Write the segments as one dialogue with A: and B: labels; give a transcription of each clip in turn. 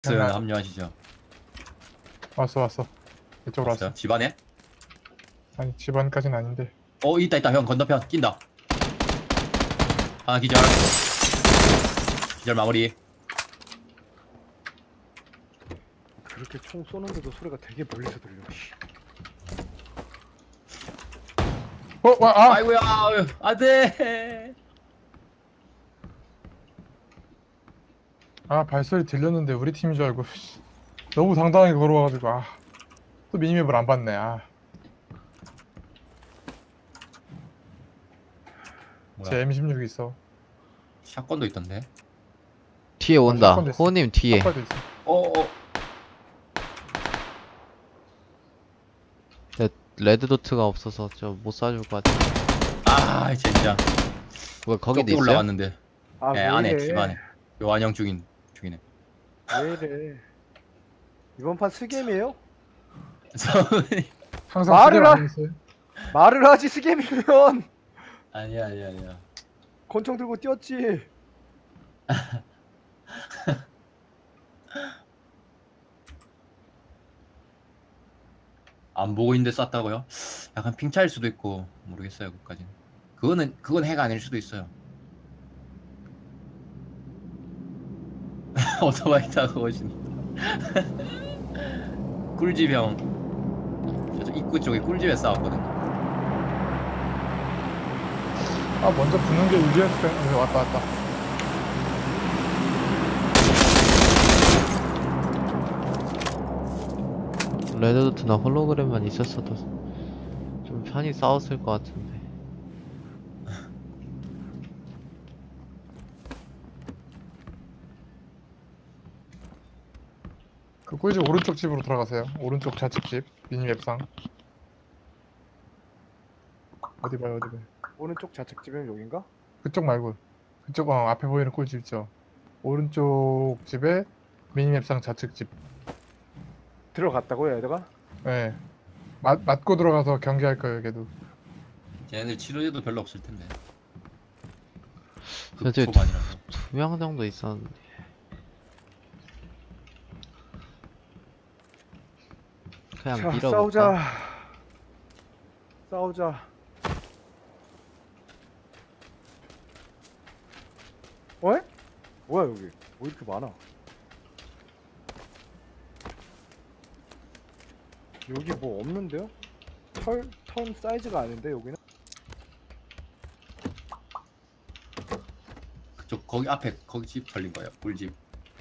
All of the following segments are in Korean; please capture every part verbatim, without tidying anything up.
A: 스 합류하시죠.
B: 왔어 왔어. 이쪽으로 왔어.
A: 왔어요? 집안에?
B: 아니 집안까지는 아닌데.
A: 어 있다 있다 형 건너편 낀다. 하나 기절. 기절 마무리.
C: 그렇게 총 쏘는데도 소리가 되게 멀리서 들려. 씨.
B: 어, 와, 아,
A: 아이고야 안돼.
B: 아 발소리 들렸는데 우리 팀인 줄 알고 씨. 너무 당당하게 걸어와가지고 아, 또 미니맵을 안 봤네. 아, 제 엠 십육 있어.
A: 샷건도 있던데.
D: 뒤에 온다.
B: 샷건도 있어.
D: 호님 뒤에.
B: 샷건도 있어.
A: 어어.
D: 네, 레드도트가 없어서 저 못 쏴줄 것 같아.
A: 아 젠장.
D: 뭐 거기도
A: 쪽
D: 있어요?
A: 올라왔는데.
C: 아,
A: 네
C: 왜
A: 안에
C: 이래?
A: 집 안에. 요한형 중인 중이네.
C: 왜 이래? 이번 판 스겜이에요?
B: 항상
C: 말을
B: 수리를
C: 하-
B: 안 했어요.
C: 말을 하지 스겜이면
A: 아니야 아니야 아니야.
C: 권총 들고 뛰었지.
A: 안 보고 있는데 쐈다고요? 약간 핑차일 수도 있고 모르겠어요 그까지는. 그거는 그건 해가 아닐 수도 있어요. 오토바이 타고 오신. 꿀집 형. 저쪽 입구 쪽에 꿀집에 싸웠거든.
B: 아 먼저 붙는 게 유리했을 때. 왔다 왔다.
D: 레드도트나 홀로그램만 있었어도 좀 편히 싸웠을 것 같은데.
B: 그 꿀집 오른쪽 집으로 들어가세요. 오른쪽 좌측 집 미니맵상. 어디 봐요 어디 봐요.
C: 오른쪽 좌측 집은 여긴가?
B: 그쪽 말고 그쪽 어, 앞에 보이는 꿀집 있죠. 오른쪽 집에 미니맵상 좌측 집.
C: 들어갔다고요, 얘들아?
B: 네. 맞, 맞고 들어가서 경기할 거예요 걔도.
A: 쟤네들 치료제도 별로 없을 텐데.
D: 그래도
A: 초반이라서.
D: 두 명 정도 있었는데. 그냥
C: 자,
D: 밀어볼까?
C: 싸우자. 싸우자. 어? 뭐야 여기? 왜 이렇게 많아? 여기 뭐 없는데요? 털, 턴 사이즈가 아닌데 여기는?
A: 그쪽 거기 앞에 거기 집 털린 거예요. 꿀집.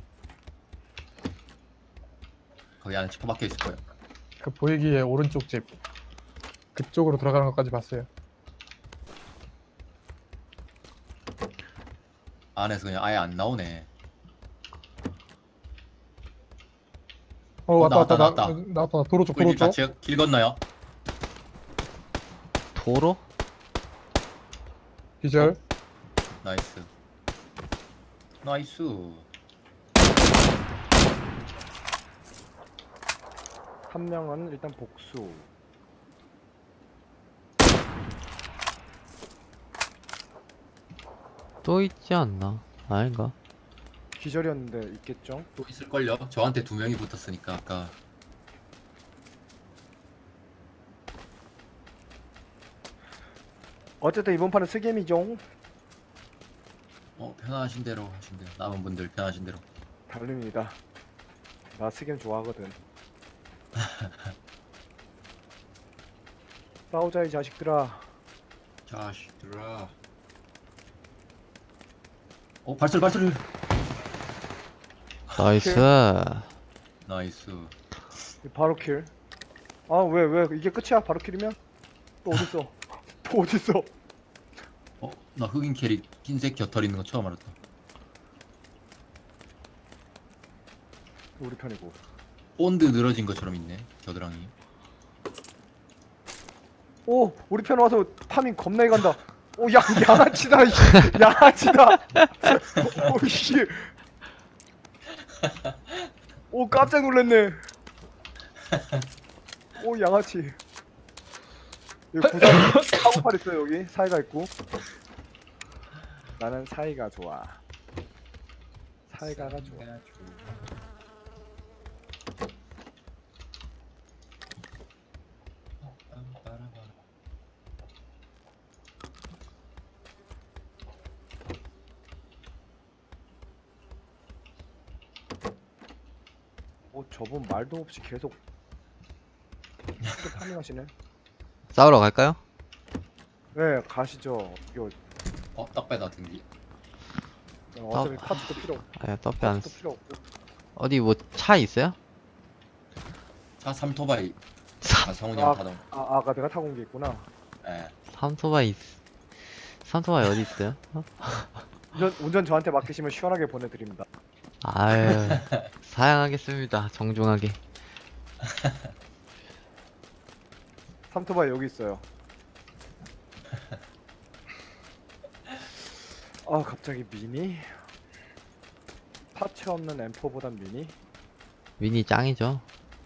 A: 거기 안에 치퍼 박혀 있을 거예요.
B: 그 보이기에 오른쪽 집 그쪽으로 들어가는 것까지 봤어요.
A: 안에서 그냥 아예 안 나오네.
B: 어,
A: 어,
B: 왔다
A: 나왔다,
B: 왔다
A: 나왔다.
B: 나, 나왔다 도로 쪽 도로
A: 꿀집
B: 쪽.
A: 좌측 길 건너요.
D: 도로?
B: 기절.
A: 나이스. 나이스.
C: 한 명은 일단 복수.
D: 또 있지 않나? 아닌가?
C: 기절이었는데 있겠죠?
A: 또 있을걸요? 저한테 두 명이 붙었으니까 아까.
C: 어쨌든 이번 판은 스겜이죠.
A: 어 편하신 대로 하신 대로. 남은 분들 편하신 대로.
C: 달립니다. 나 스겜 좋아하거든. 싸우자 이 자식들아.
A: 자식들아. 어 발소리 발소리.
D: 나이스.
A: 나이스.
C: 바로 킬. 아 왜 왜 이게 끝이야? 바로 킬이면? 또 어딨어? 또 어딨어?
A: 어 나 흑인 캐릭 흰색 곁털 있는 거 처음 알았다.
C: 우리 편이고.
A: 본드 늘어진 것처럼 있네 겨드랑이.
C: 오 우리 편 와서 파밍 겁나게 간다. 오 야 양아치다. 이 양아치다. 오씨. 오 깜짝 놀랐네. 오 양아치. 여기 부장 사고팔 있어요 여기 사이가 있고. 나는 사이가 좋아. 사이가가 좋아. 어 저분 말도 없이 계속 파밍하시네.
D: 싸우러 갈까요?
C: 네 가시죠. 이거
A: 어, 떡배다 등기.
C: 어차피
D: 아.
C: 파츠도 필요 없고
D: 아야 떡배 안
C: 파츠도
D: 쓰.
C: 필요 없고.
D: 어디 뭐 차 있어요?
A: 차 삼토바이. 아, 성훈이
C: 아.
A: 형 타던.
C: 아 아까 내가 타고 온 게 있구나.
A: 예.
D: 삼토바이 있- 삼토바이 어디 있어요? 어?
C: 운전, 운전 저한테 맡기시면 시원하게 보내드립니다.
D: 아유 사양하겠습니다 정중하게.
C: 삼토바이 여기 있어요. 아 갑자기 미니? 파츠 없는 엠포보단 미니?
D: 미니 짱이죠.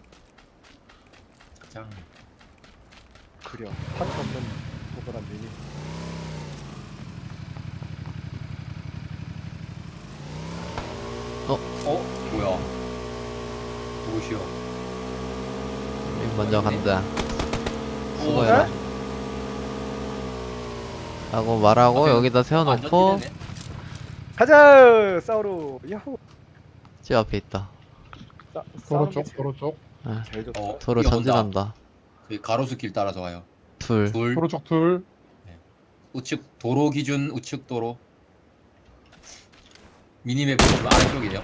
A: 짱.
C: 그려 파츠 없는 엠포보단 미니.
A: 어? 뭐야? 누구시오?
D: 우리 먼저 간다.
A: 오,
D: 수고해라. 라고 말하고
A: 아,
D: 여기다 세워놓고
A: 완전 뛰네.
C: 가자! 싸우러! 야호!
D: 집 앞에 있다.
C: 싸,
B: 도로
C: 싸우는 게
B: 쪽
C: 제일-
B: 도로 쪽
D: 아,
C: 제일 좋다.
A: 어,
D: 도로
A: 뛰어온다.
D: 전진한다.
A: 그 가로수 길 따라서 와요.
D: 둘.
A: 둘.
B: 도로 쪽 둘.
A: 우측 도로 기준 우측 도로. 미니맵 지금 아래쪽이에요.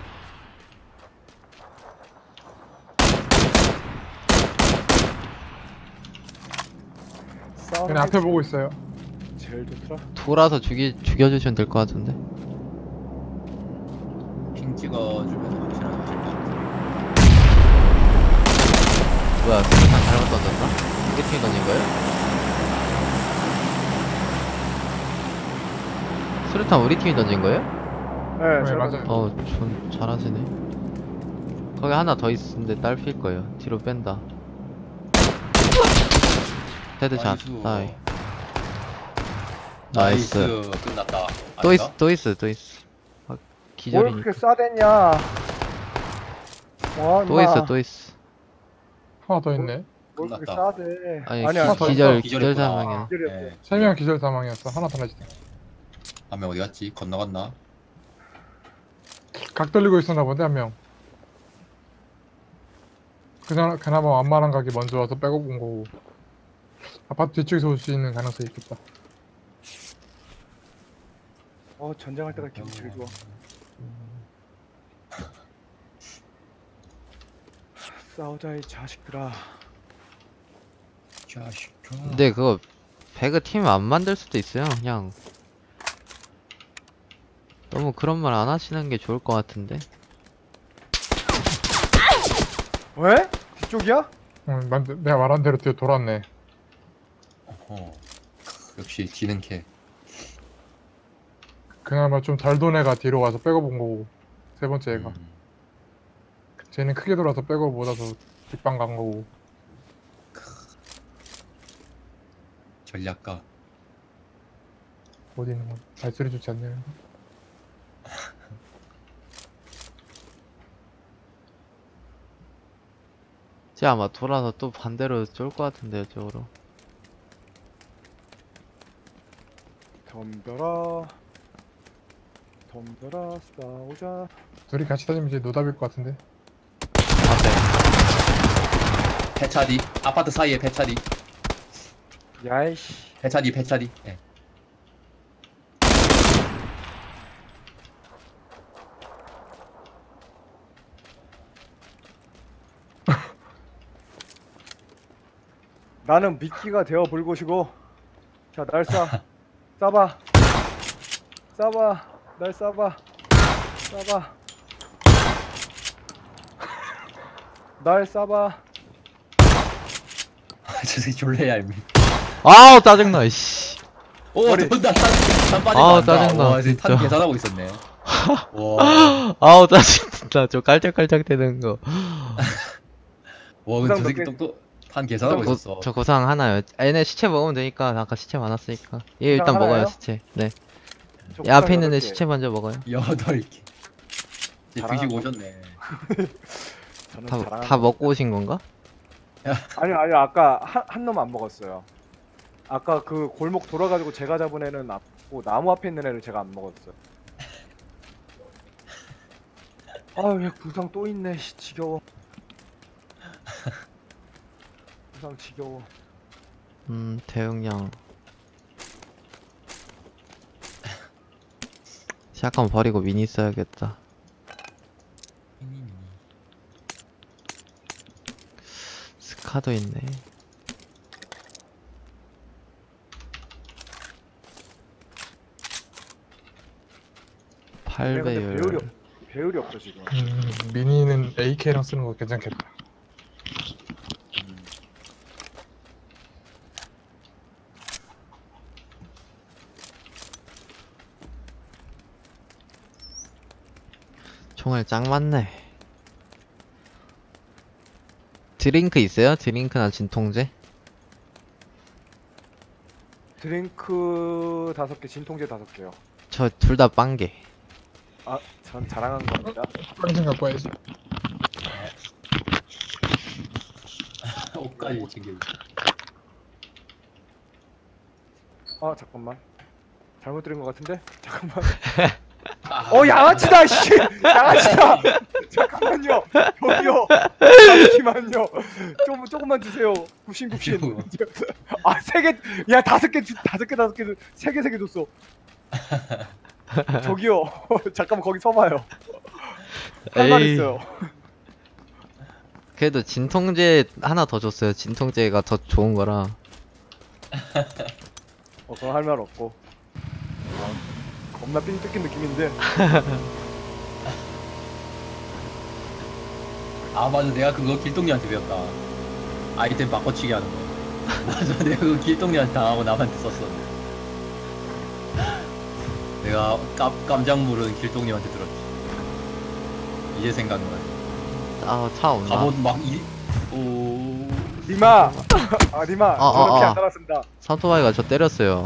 C: 싸우는
B: 그냥
C: 게
B: 앞에 보고 있어요.
C: 제일 좋더라.
D: 돌아서 죽이 죽여주시면 될 것 같은데.
A: 핑 찍어주면 확실하게 될것 같아.
D: 뭐야 수류탄 잘못 던졌나? 이게 팀 던진 거예요? 수류탄 우리 팀이 던진 거예요?
C: 네,
B: 네,
C: 제가
B: 맞아요.
D: 어, 전 잘하시네. 거기 하나 더 있는데 딸필 거예요. 뒤로 뺀다. 헤드샷.
A: 나이스.
D: 나이. 나이스.
A: 나이스. 끝났다.
D: 또
A: 아닌가?
D: 있어, 또 있어, 또 있어. 아,
C: 뭘
D: 기절이니까.
C: 그렇게 싸댔냐? 와,
D: 또 있어, 또 있어.
B: 하나 더 있네.
C: 뭘 그렇게
A: 끝났다.
C: 싸대?
D: 아니,
C: 아니야,
B: 하나 더
D: 기절,
A: 기절했구나.
D: 기절 사망이야.
C: 기절이었어.
A: 예.
B: 세 명 기절 사망이었어. 하나 더 나지.
A: 한 명 어디 갔지? 건너갔나?
B: 각 돌리고 있었나 본데 한 명. 그나 그나마 완만한 각이 먼저 와서 빼고 본 거고. 아파트 뒤쪽에서 올 수 있는 가능성이 있겠다.
C: 어, 전쟁할 때가 기분 제일 좋아. 싸우자 이 자식들아.
A: 자식아.
D: 근데 그거 배그 팀 안 만들 수도 있어요. 그냥 너무 그런 말 안 하시는 게 좋을 것 같은데.
C: 왜? 뒤쪽이야?
B: 응, 만, 내가 말한 대로 뒤에 돌았네.
A: 어. 역시 지는 캐.
B: 그나마 좀 잘 돈 애가 뒤로 와서 빼고 본 거고. 세 번째 애가.
A: 음.
B: 쟤는 크게 돌아서 빼고 못 와서 뒷방 간 거고.
A: 전략가.
B: 어디 있는 거? 발소리 좋지 않네요.
D: 쟤 아마 돌아서 또 반대로 쫄 것 같은데 이쪽으로.
C: 덤벼라. 덤벼라 싸우자.
B: 둘이 같이 다니면 이제 노답일 것 같은데.
D: 앞에.
A: 배차디. 아파트 사이에 배차디.
C: 야이씨.
A: 배차디 배차디. 예.
C: 나는 미끼가 되어 볼 것이고. 자, 날 쏴. 쏴봐. 쏴봐. 날 쏴봐. 쏴봐. 날 쏴봐.
A: 저 새끼 졸래 얄미.
D: 아우 짜증나 씨.
A: 오,
C: 머리.
A: 돈다. 탄, 탄 빠진
D: 아우,
A: 거 안다.
D: 짜증나,
A: 와, 이제 탄
D: 진짜.
A: 계산하고 있었네. 와.
D: 아우 짜증나. 저 깔짝깔짝 되는 거.
A: 와, 근데 저
C: 부상
A: 새끼
C: 몇 개-
A: 똑똑 탄 계산하고
D: 고,
A: 있었어.
D: 저 고상 하나요. 아, 얘네 시체 먹으면 되니까. 아까 시체 많았으니까. 얘 일단
C: 고상
D: 먹어요
C: 하나예요?
D: 시체. 네.
C: 저
D: 얘 앞에
C: 구상
D: 있는 애
C: 여덟 개.
D: 시체 먼저 먹어요.
A: 여덟 개. 이제
C: 잘하나
A: 드시고
C: 봐.
A: 오셨네.
C: 저는
D: 다,
C: 잘하는
D: 다
C: 거.
D: 먹고 오신 건가?
C: 아니요, 아니요. 아까 한, 한 놈 안 먹었어요. 아까 그 골목 돌아가지고 제가 잡은 애는 앞고 나무 앞에 있는 애를 제가 안 먹었어요. 아, 왜 구상 또 있네. 씨, 지겨워. 구상 지겨워.
D: 음, 대용량. 샷건 버리고 미니 써야겠다. 스카도 있네.
C: 근데 배율이
D: 팔 배율.
C: 없, 배율이 없어 지금.
B: 음, 미니는 에이케이랑 쓰는 거 괜찮겠다.
D: 총알 짱 많네. 드링크 있어요? 드링크나 진통제?
C: 드링크 다섯 개, 진통제 다섯 개요.
D: 저 둘 다 빵개.
C: 아, 전 자랑한 겁니다.
B: 빨리 갖고 와야지.
A: 옷까지 챙겨.
C: 아, 잠깐만. 잘못 들은 것 같은데? 잠깐만.
A: 아,
C: 어, 양아치다, 씨! 양아치다! 잠깐만요. 저기요. 잠시만요. 좀, 조금만 주세요. 굽신굽신. 아, 세 개, 야, 다섯 개, 주- 다섯 개, 다섯 개, 세 개, 세 개 줬어. 저기요. 잠깐만, 거기 서봐요. 할 말
D: 에이.
C: 있어요.
D: 그래도 진통제 하나 더 줬어요. 진통제가 더 좋은 거라.
C: 어, 그건 할 말 없고. 어, 겁나 삥 뜯긴 느낌인데.
A: 아 맞아, 내가 그거 길동이한테 배웠다. 아이템 바꿔치기 하는 거. 맞아, 내가 그거 길동이한테 당하고 남한테 썼어. 내가 깜, 깜짝 모르는 길동님한테 들었지. 이제 생각나.
D: 아, 차 온다.
A: 갑옷 막 이, 오,
C: 리마! 아, 리마.
D: 어,
C: 저렇게
D: 어, 어.
C: 안 달았습니다.
D: 사토바이가 저 때렸어요.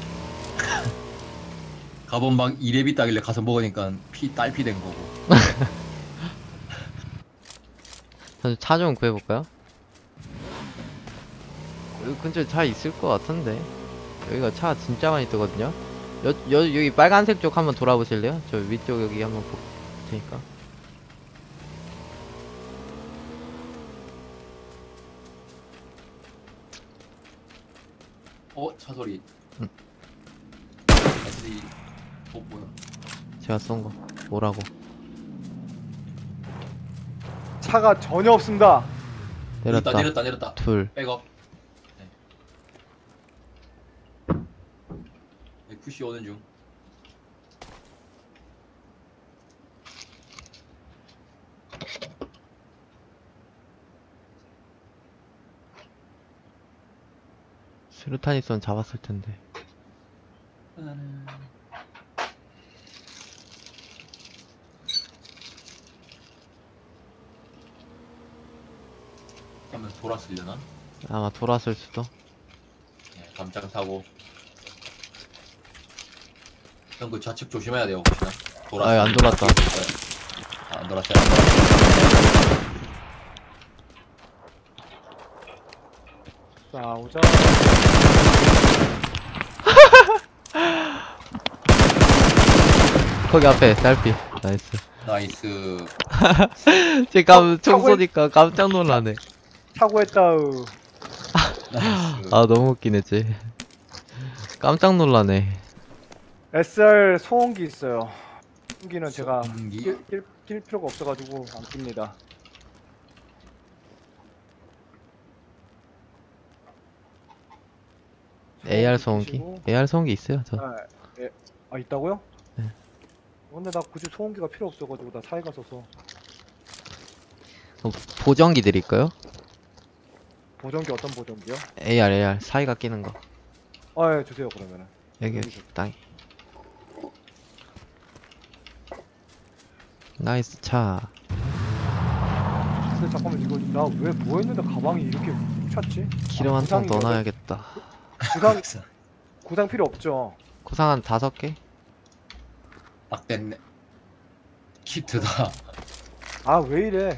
A: 갑옷 막 이렙이 따길래 가서 먹으니까 피 딸피 된 거고.
D: 차 좀 구해볼까요? 여기 근처에 차 있을 것 같은데. 여기가 차 진짜 많이 뜨거든요. 여, 여, 여기 빨간색 쪽 한번 돌아보실래요? 저 위쪽 여기 한번 볼 테니까.
A: 어, 차 소리.
D: 응.
A: 다시 어 뭐야?
D: 제가 쏜 거. 뭐라고?
C: 차가 전혀 없습니다.
D: 내렸다.
A: 내렸다 내렸다 내렸다.
D: 둘.
A: 백업. 네. 푸시 오는 중.
D: 스루탄 있으면 잡았을 텐데.
A: 하면 돌았으려나?
D: 아마 돌았을 수도.
A: 네, 감장 타고. 형 그 좌측 조심해야 돼요 혹시나. 돌았.
D: 아이, 안 돌았다.
A: 아, 안 돌았어요. 안 돌았어요.
C: 싸우자.
D: 거기 앞에 달피. 나이스.
A: 나이스.
D: 지금 총
C: 차고에-
D: 쏘니까 깜짝 놀라네.
C: 사고했다우.
A: 나이스.
D: 아, 너무 웃기네, 쟤. 깜짝 놀라네.
C: 에스알 소음기 있어요. 소음기는 제가
A: 소음기?
C: 낄, 낄, 낄 필요가 없어가지고 안 낍니다.
D: 에이알 소음기?
C: 끼시고.
D: 에이알 소음기 있어요, 저.
C: 아, 예. 아 있다고요?
D: 네.
C: 근데 나 굳이 소음기가 필요 없어가지고 나 차에 가서서
D: 어, 보정기 드릴까요?
C: 보정기 어떤 보정기요?
D: 에이알, 에이알. 사이가 끼는 거.
C: 아 예, 주세요 그러면은.
D: 여기, 여기, 땅에. 나이스 차.
C: 근데 잠깐만 이거 나 왜 뭐 했는데 가방이 이렇게 찼지?
D: 기름
C: 아,
D: 한 통
C: 구상이
D: 넣어놔야겠다.
C: 구상 구상 필요 없죠.
D: 구상 한 다섯 개?
A: 딱 됐네. 키트다.
C: 아 왜 이래?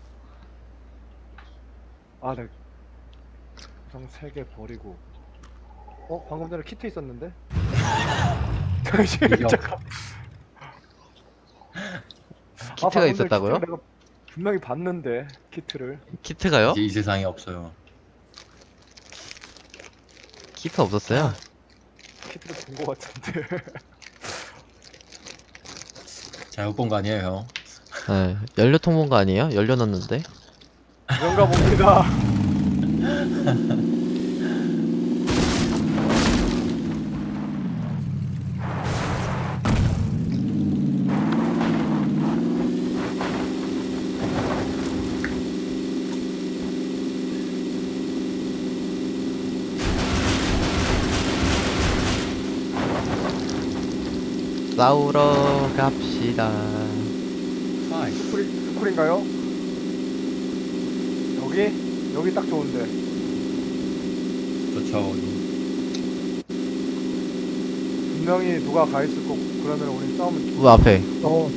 C: 아 네. 구상 세 개 버리고. 어 방금 전에 키트 있었는데? 잠시만
A: 이겨.
C: 잠깐. 아,
D: 키트가
C: 방금 전에
D: 있었다고요?
C: 키트를 내가 분명히 봤는데 키트를.
D: 키트가요?
A: 이제 이 세상에 없어요.
D: 키트 없었어요?
C: 키트를 본 것 같은데.
A: 잘못 본 거 아니에요, 형?
D: 네. 연료통 본 거 아니에요? 연료 넣었는데?
C: 그런가 봅니다.
D: 싸우러 갑시다.
A: 아이,
C: 스쿨이, 스쿨인가요? 여기? 여기 딱 좋은데.
A: 좋죠.
C: 분명히 누가 가 있을 거고 그러면 우리 싸우면
D: 우 앞에
B: 어,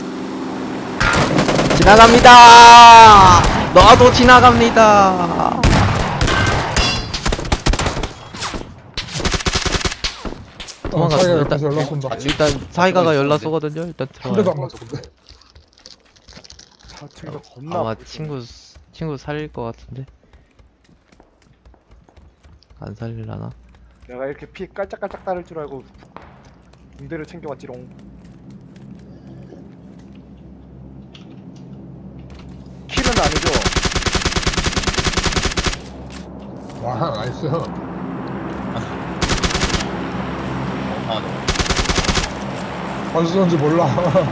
D: 지나갑니다. 너도 지나갑니다.
B: 어,
D: 도망갔어.
B: 사이가
D: 일단-
B: 옆에서 연락 온다.
A: 아,
D: 일단 사이가가 연락 쏘거든요. 일단
B: 한 대도
D: 들어가요.
B: 안 맞아 근데.
C: 자체가 겁나
D: 아마
C: 아프지.
D: 친구 친구 살릴 것 같은데. 안 살릴라나?
C: 내가 이렇게 피 깔짝깔짝 따를 줄 알고 군대를 챙겨왔지롱. 킬은 아니죠?
B: 와, 나이스.
A: 아,
B: 어디서 쏜지 몰라.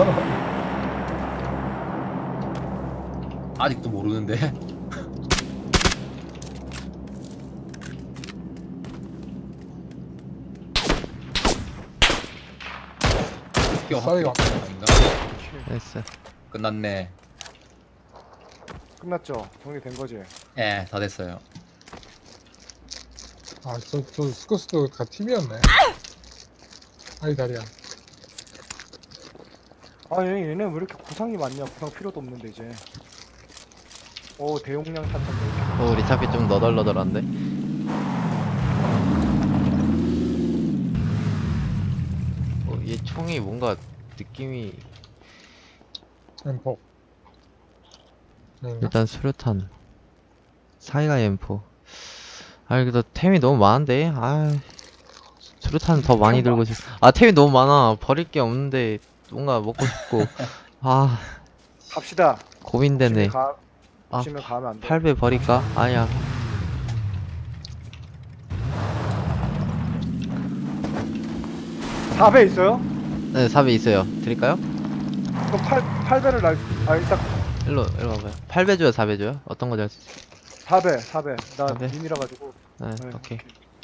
A: 아직도 모르는데. 학교
B: 사이가.
A: 학교 아닌가?
C: 킬.
D: 됐어.
A: 끝났네.
C: 끝났죠? 정리된 거지?
A: 예, 다 됐어요.
B: 아, 저, 저 스커스도 가 팀이었네. 아이 다리야.
C: 아 얘, 얘네 왜 이렇게 구상이 많냐? 구상 필요도 없는데 이제. 오 대용량 탄창.
D: 어, 우리 차피 좀 너덜너덜한데. 어, 얘 총이 뭔가 느낌이
B: 엠포. 응.
D: 일단 수류탄. 사이가 엠포. 아, 그래도 템이 너무 많은데. 아, 수류탄 더 많이 들고 싶. 아, 템이 너무 많아. 버릴 게 없는데 뭔가 먹고 싶고. 아,
C: 갑시다.
D: 고민되네.
C: 가,
D: 아,
C: 보시면 가면 안 돼.
D: 팔 배 버릴까? 아니야.
C: 사 배 있어요?
D: 네, 사 배 있어요. 드릴까요?
C: 그럼 팔, 팔 배를 날, 아 일단
D: 일로, 일로 와봐요. 팔 배 줘요, 사 배 줘요? 어떤 거 줄 수 있어요?
C: 사 배, 사 배. 나
D: 사 배?
C: 민이라 가지고.
D: 네,
C: 네,
D: 오케이.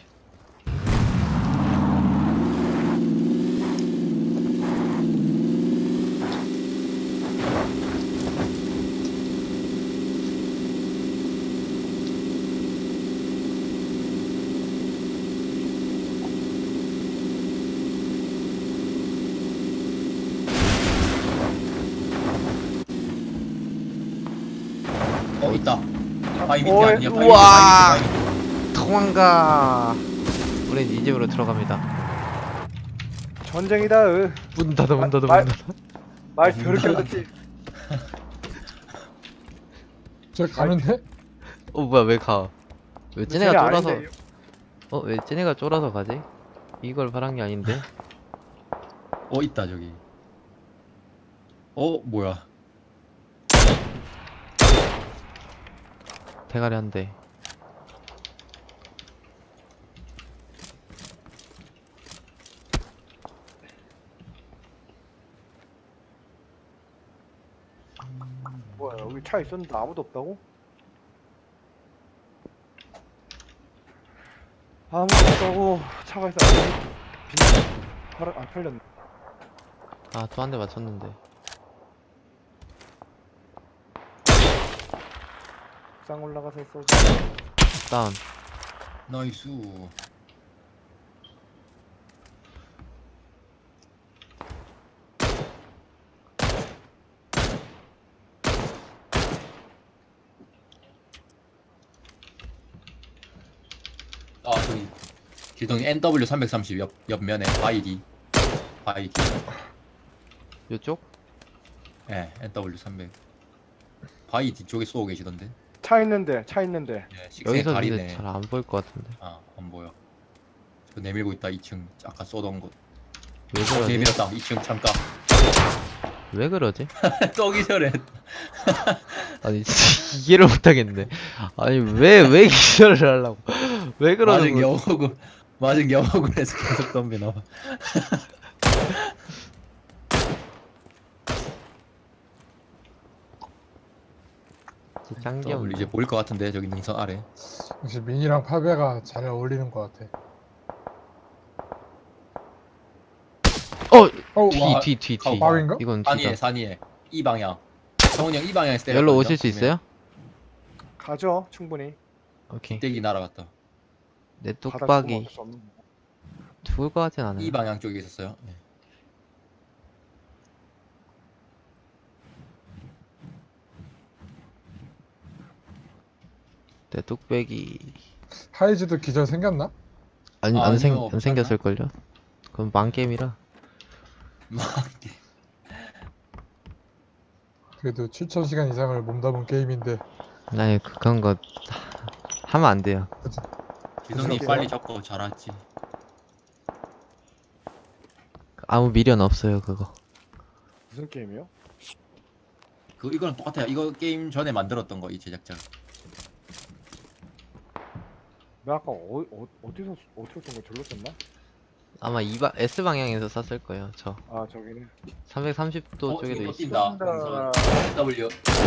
A: 어, 있다. 바위 밑에
C: 어,
A: 아니야? 바위 밑에,
D: 우와!
A: 바위 밑에, 바위 밑에.
D: 도망가. 우린 이 집으로 들어갑니다.
C: 전쟁이다. 으.
D: 문 닫아, 문 닫아,
C: 말-
D: 문 닫아.
C: 말 더럽게 하겠지.
B: 저 가면 돼?
D: 어, 뭐야, 왜 가? 왜 쟤네가
C: 쟤네
D: 쫄아서,
C: 아닌데,
D: 어, 왜 쟤네가 쫄아서 가지? 이걸 바란 게 아닌데?
A: 어, 있다, 저기. 어, 뭐야.
D: 대가리 한 대.
C: 뭐야 여기 차 있었는데 아무도 없다고? 아무도 없다고 차가 있어. 빈 팔, 안 팔렸네.
D: 아, 또 한 대 맞췄는데.
C: 쌍 올라가서 쏘자.
D: 다운.
A: 나이스. 아, 저기. 길동이 엔더블유 삼백삼십 옆, 옆면에 바이디. 바이디.
D: 요쪽?
A: 예, 엔더블유 삼백. 바위 뒤쪽에 쏘고 계시던데.
C: 차 있는데 차 있는데.
A: 네, 식생
D: 여기서 근데
A: 다리네.
D: 잘 안 보일 것 같은데.
A: 아, 안 보여. 저 내밀고 있다. 이 층. 아까 쏘던 곳.
D: 왜
A: 어,
D: 그러지?
A: 내밀었다. 이 층 창가.
D: 왜 그러지?
A: 쏘기 전에.
D: 아니 진짜 이해를 못하겠네. 아니 왜 왜 기절을 하려고? 왜 그러는
A: 맞은 게
D: 거지?
A: 억울. 맞은 게 억울해서 계속 덤비나 봐.
D: 진짜 짱기
A: 더블
D: 없네.
A: 이제 보일 것 같은데 저기 능선 아래.
B: 역시 민이랑 파베가 잘 어울리는 것 같아.
D: 어!
B: 어,
D: 뒤
B: 와,
D: 뒤 뒤 뒤.
B: 바위인가?
D: 이건
A: 산 위에
D: 뒤다.
A: 산 위에 이 방향. 성훈이 형 이 방향에서 때려.
D: 열로 오실 수 있어요?
C: 가죠 충분히.
D: 오케이.
A: 떼기 날아갔다.
D: 내
C: 바닥
D: 뚝박이
C: 죽으면 어쩔 수 없는 거.
D: 죽을 것 같진 않아요.
A: 이 방향 쪽에 있었어요. 네.
D: 내 뚝배기
B: 하이즈도 기절 생겼나?
D: 아니
A: 아,
D: 안, 생,
A: 아니요,
D: 안
A: 없지
D: 생겼을걸요? 그건 망게임이라.
A: 막
B: 그래도 칠천 시간 이상을 몸담은 게임인데
D: 아니 그- 그런 거 하면 안 돼요.
A: 기성님
C: 무슨
A: 빨리
C: 게임이야?
A: 잡고 잘하지.
D: 아무 미련 없어요 그거.
C: 무슨 게임이요?
A: 그 이거는 똑같아요. 이거 게임 전에 만들었던 거 이 제작자.
C: 나 아까 어, 어, 어디서 어디서 쏜 거 절로 쐈나?
D: 아마 이 바, S 방향에서 쐈을 거예요. 저
C: 아 저기는.
D: 삼백삼십 도
A: 어,
D: 쪽에도
A: 저기 또
D: 있어.
A: 뛴다.
C: 쏜다.
A: 능선. W.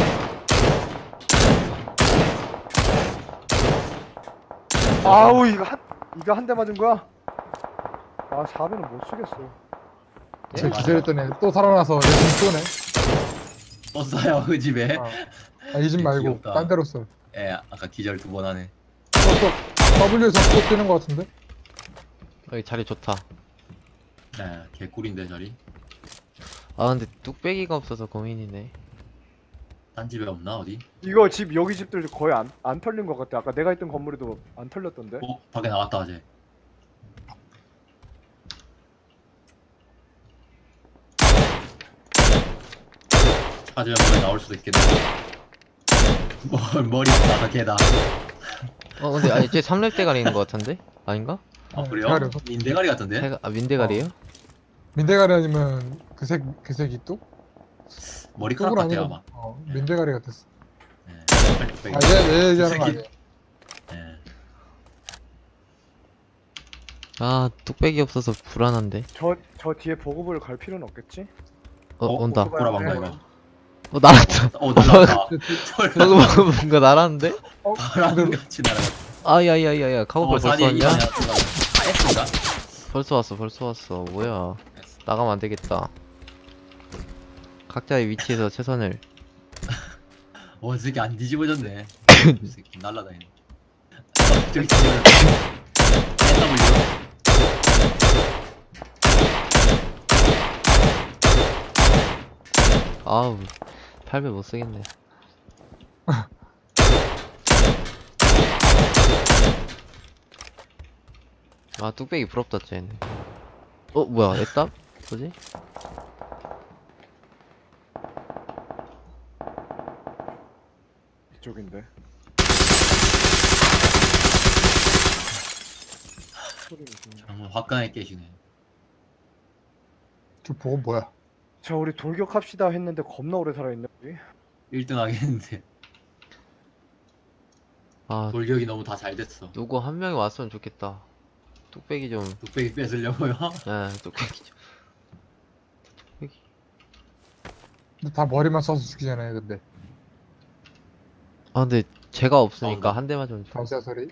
C: 아우 이거 한 이거 한 대 맞은 거야? 아 사 배는 못 쓰겠어.
A: 예,
B: 제
A: 맞아요.
B: 기절했더니 또 살아나서 내 집 쏘네.
A: 또 쏴요 그 집에.
B: 아, 이 집 말고
A: 귀엽다.
B: 딴 데로 쏘.
A: 예, 아까 기절 두 번 하네.
B: 또, 또 W에서 또 뛰는 것 같은데?
D: 여기 자리 좋다.
A: 네, 개꿀인데 자리.
D: 아 근데 뚝배기가 없어서 고민이네.
A: 딴 집에 없나 어디?
C: 이거 집 여기 집들 거의 안, 안 털린 것 같아. 아까 내가 있던 건물에도 안 털렸던데.
A: 어, 밖에 나갔다 어제. 찾으면 머리 나올 수도 있겠네. 뭘 머리 나가 개다.
D: 어 근데 아니 쟤 삼 렙 대가리 있는 것 같은데? 아닌가?
A: 아
B: 어,
A: 그래요?
B: 대가리.
A: 민대가리 같은데?
D: 대가, 아 민대가리에요?
B: 민대가리 아니면 그색 그색이 뚝?
A: 머리카락
B: 뚝은
A: 같아요
B: 아니고
A: 아마.
B: 어, 민대가리 같았어.
A: 네.
B: 아, 얘, 얘 얘기하는 거
A: 그색이-
B: 아니야?
A: 네.
D: 아 뚝배기 없어서 불안한데.
C: 저 저 뒤에 보급을 갈 필요는 없겠지?
D: 어,
A: 어,
D: 온다.
C: 오토바이
A: 보라방가
C: 앞에
A: 이거.
D: 어 날았다.
A: 어 날라갔다.
D: 방금 방금 뭔가 날았는데?
A: 바람 같이 날아갔다.
D: 아야야야야 카고팔
A: 어,
D: 벌써
A: 산이 이
D: 왔냐?
A: 방향 아 S인가?
D: 벌써 왔어 벌써 왔어. 뭐야? 나가면 안 되겠다. 각자의 위치에서 최선을.
A: 어, 이 새끼 안 뒤집어졌네. 이 새끼 날라다니네. 어, 저기 뒤집어졌네. W.
D: 아우 팔 배 못 쓰겠네. 아 뚝배기 부럽다 쟤네. 어 뭐야 애답? 뭐지?
C: 이쪽인데. 소리 무슨?
A: 정말 화끈하게 깨시네.
B: 저 보고 뭐야?
C: 자 우리 돌격합시다 했는데 겁나 오래 살아있네 우리.
A: 일 등 하겠는데.
D: 아
A: 돌격이 너무 다 잘 됐어.
D: 누구 한 명이 왔으면 좋겠다. 뚝배기 좀.
A: 뚝배기 뺏으려고요?
D: 예 뚝배기 좀. 뚝배기.
B: 근데 다 머리만 쏴서 죽이잖아요, 근데.
D: 아 근데 제가 없으니까
A: 나온다.
D: 한 대만 좀 줘.
B: 발사 소리.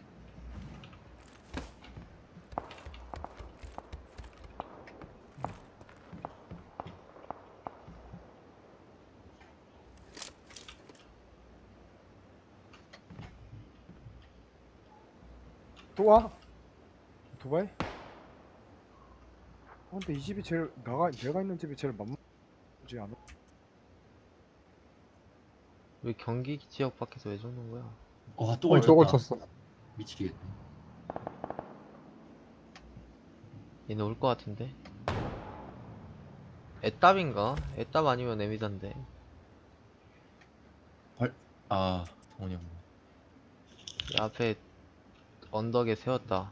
C: 또 와? 오토바이? 어, 근데 이 집이 제일 나가 내가 있는 집이 제일 만만하지 않아?
D: 왜 경기 지역 밖에서 왜 죽는 거야?
A: 와, 또
B: 어, 저걸
A: 걸쳤다.
B: 쳤어.
A: 미치겠네.
D: 얘네 올 것 같은데? 애답인가? 애답 아니면 에미단데.
A: 아 성훈이 형.
D: 이 앞에 언덕에 세웠다.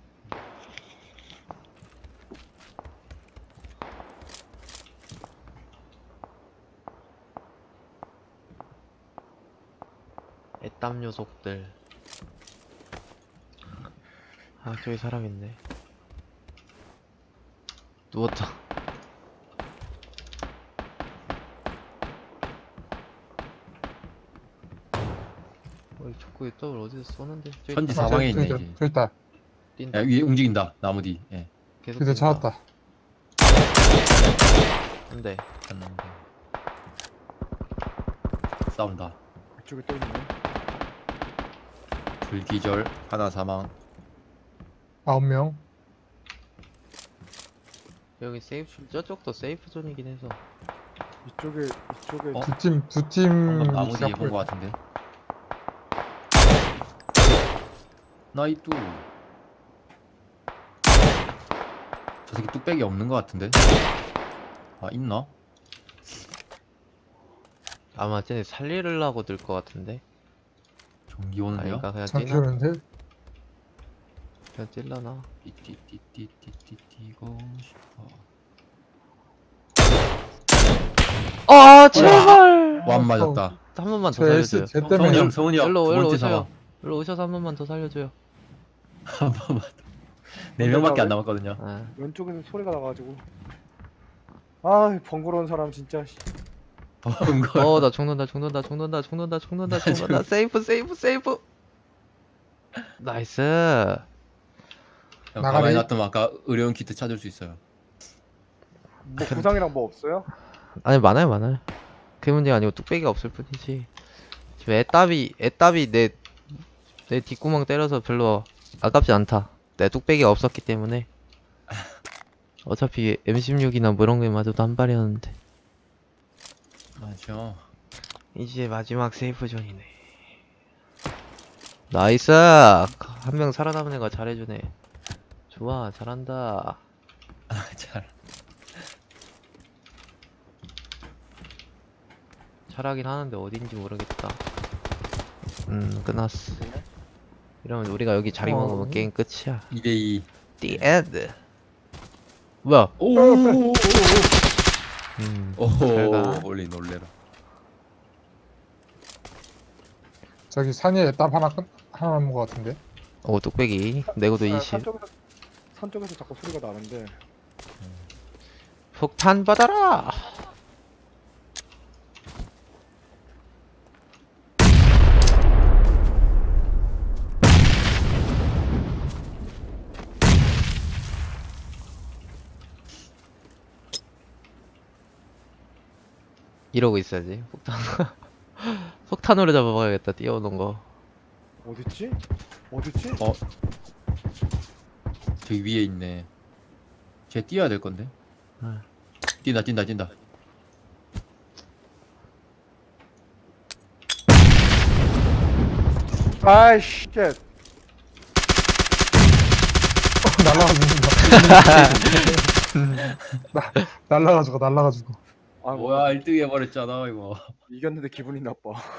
D: 애땀 녀석들. 아, 저기 사람 있네. 누웠다. 어이, 자꾸 이따을 어디서 쏘는데? 저기
A: 현지
D: 있다.
B: 아,
A: 사방에
B: 저기,
A: 있네,
B: 저기,
A: 이제.
B: 저기 있다.
D: 뛴다.
A: 야, 위에 움직인다 나무 뒤. 예.
D: 계속
B: 저기
D: 뛴다.
B: 찾았다.
D: 안돼.
A: 갔는데. 싸운다.
C: 이쪽에 또 있네.
A: 둘 기절, 하나 사망.
B: 아홉 명.
D: 여기 세이프, 저쪽도 세이프 존이긴 해서.
C: 이쪽에 이쪽에
A: 어?
B: 두 팀, 두 팀.
A: 방금 나무 뒤에
B: 시작
A: 본 거 같은데. 나이뚜. 저 새끼 뚝배기 없는 거 같은데. 아 있나?
D: 아마 쟤네 살리려고 들 것 같은데.
A: 전기 오는데요?
D: 아닌가 그냥
B: 잠시
D: 뛰나?
B: 오는데.
D: 그냥 찔러나?
A: 띠띠띠띠띠띠 뛰고 싶어.
D: 아 제발!
A: 완 맞았다.
D: 한 번만 더
B: 저 S
D: 살려줘요.
B: 제
A: 성훈이
B: 때문에
A: 형, 성훈이 형.
D: 일로
A: 두
D: 일로
A: 번째
D: 오세요.
A: 사망.
D: 일로 오셔서 한 번만 더 살려줘요.
A: 한 번만. 네 명밖에 안 남았거든요.
D: 아,
C: 왼쪽에서 소리가 나가지고. 아 번거로운 사람 진짜. 씨.
A: 본 거.
D: 어, 나 죽는다, 죽는다, 죽는다, 죽는다, 죽는다, 죽는다. 세이프, 세이프, 세이프. 나이스.
A: 형,
B: 나가리.
A: 가만히 놔두면 아까 의료용 키트 찾을 수 있어요.
C: 뭐 구상이랑 뭐 없어요?
D: 아니 많아요, 많아요. 그게 문제가 아니고 뚝배기가 없을 뿐이지. 지금 애답이, 애답이 내, 내 뒷구멍 때려서 별로 아깝지 않다. 내 뚝배기가 없었기 때문에. 어차피 엠 십육이나 뭐 이런 게 맞아도 한 발이었는데.
A: 맞죠.
D: 이제 마지막 세이프 존이네. 나이스! 한 명 살아남은 애가 잘해주네. 좋아, 잘한다.
A: 아 잘.
D: 잘하긴 하는데 어딘지 모르겠다. 음, 끝났어. 이러면 우리가 여기 자리
B: 어.
D: 먹으면 게임 끝이야.
A: 이 대 이.
D: The end. 뭐야?
A: 오.
D: 음,
A: 오.
D: 잘 가.
A: 원래 놀래라.
B: 저기 산에 땀 하나 끝 하나 남은 것 같은데.
D: 오, 뚝배기. 내고도
C: 아,
D: 이십.
C: 산 쪽에서 산 쪽에서 자꾸 소리가 나는데.
D: 폭탄 받아라! 이러고 있어야지. 폭탄. 폭탄으로 잡아봐야겠다. 뛰어오는 거.
C: 어딨지? 어딨지?
A: 어. 저기 위에 있네. 쟤 뛰어야 될 건데.
D: 응.
A: 뛴다 뛴다 뛴다.
C: 아이씨. 쉣.
B: 날라가지고. 나 날라가지고 날라가지고.
C: 아
A: 뭐야 일 등 해버렸잖아 이거.
C: 이겼는데 기분이 나빠.